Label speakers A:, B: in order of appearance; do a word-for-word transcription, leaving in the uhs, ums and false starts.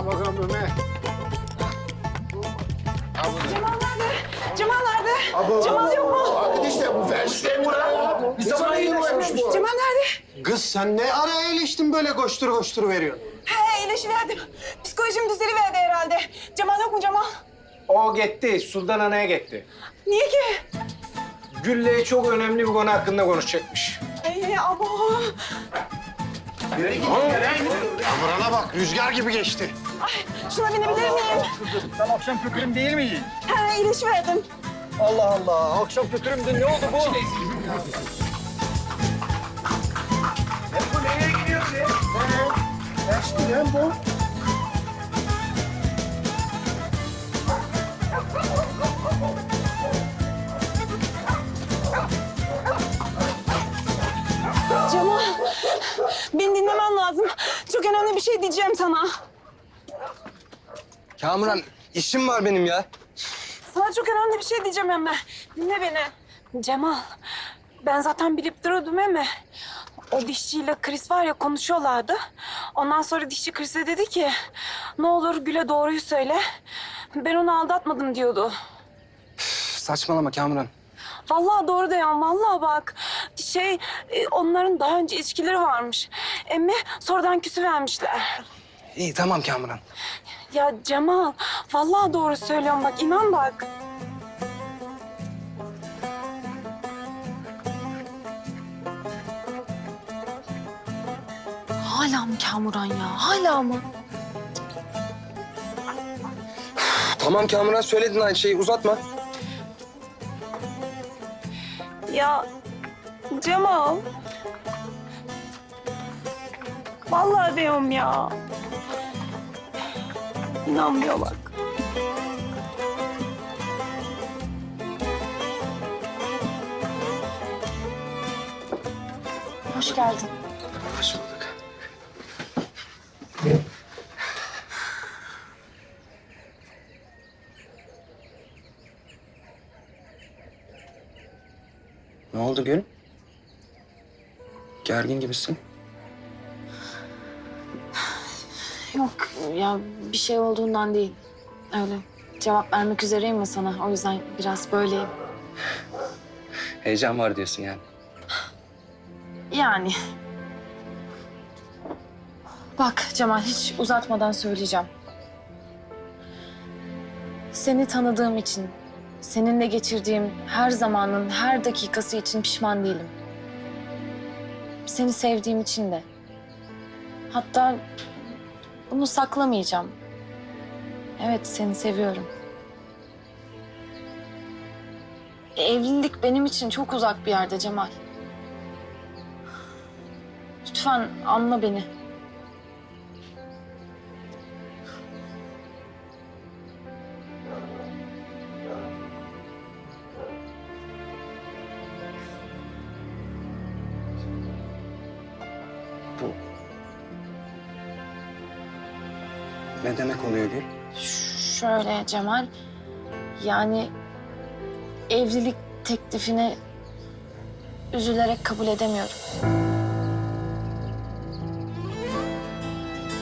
A: bakalım Ömer.
B: Cemal nerede? Cemal nerede?
A: Abo.
B: Cemal yok mu?
A: Arkadaşlar bu verişler mi lan? Bir zaman iyileşmiş bu.
B: Cemal nerede?
C: Kız sen ne ara iyileştin böyle koştur koştur veriyorsun?
B: He iyileşiverdim. Psikolojim düzeliverdi herhalde. Cemal yok mu Cemal?
C: O gitti, Sultan Ana'ya gitti.
B: Niye ki?
C: Gülle'ye çok önemli bir konu hakkında konuşacakmış.
B: Ay abo.
C: Kamerana bak, rüzgar gibi geçti.
B: Ay şuna binebilir miyim?
D: Sen akşam kökürüm değil miydin?
B: He iyileşiverdim.
D: Allah Allah. Akşam kökürümdü. Ne oldu bu?
A: Bu nereye gidiyor be? Kaçtı lan bu.
B: Cemal, beni dinlemen lazım. Çok önemli bir şey diyeceğim sana.
C: Kamuran, işim var benim ya.
B: Sana çok önemli bir şey diyeceğim Emme. Dinle beni. Cemal, ben zaten bilip duruyordum Emme. O dişçiyle Chris var ya konuşuyorlardı. Ondan sonra dişçi Chris'e dedi ki... ...ne olur Gül'e doğruyu söyle. Ben onu aldatmadım diyordu.
C: Saçmalama Kamuran.
B: Vallahi doğru diyorum, vallahi bak. Şey, e, onların daha önce ilişkileri varmış. Emmi sonradan küsüvermişler.
C: İyi tamam Kamuran.
B: Ya Cemal, vallahi doğru söylüyorum bak, inan bak.
E: Hala mı Kamuran ya? Hala mı?
C: Tamam Kamuran, söyledin aynı şeyi, uzatma.
B: Ya Cemal. Vallahi diyorum ya. İnanmıyor bak.
E: Hoş geldin.
C: Hoş bulduk. Ne oldu Gül? Gergin gibisin.
E: Yok ya bir şey olduğundan değil. Öyle cevap vermek üzereyim ya sana. O yüzden biraz böyleyim.
C: Heyecan var diyorsun yani.
E: Yani. Bak Cemal hiç uzatmadan söyleyeceğim. Seni tanıdığım için, seninle geçirdiğim her zamanın her dakikası için pişman değilim. Seni sevdiğim için de. Hatta bunu saklamayacağım. Evet, seni seviyorum. Evlilik benim için çok uzak bir yerde Cemal. Lütfen anla beni.
C: Bu... Ne demek oluyor Gül?
E: Şöyle Cemal, yani evlilik teklifini üzülerek kabul edemiyorum.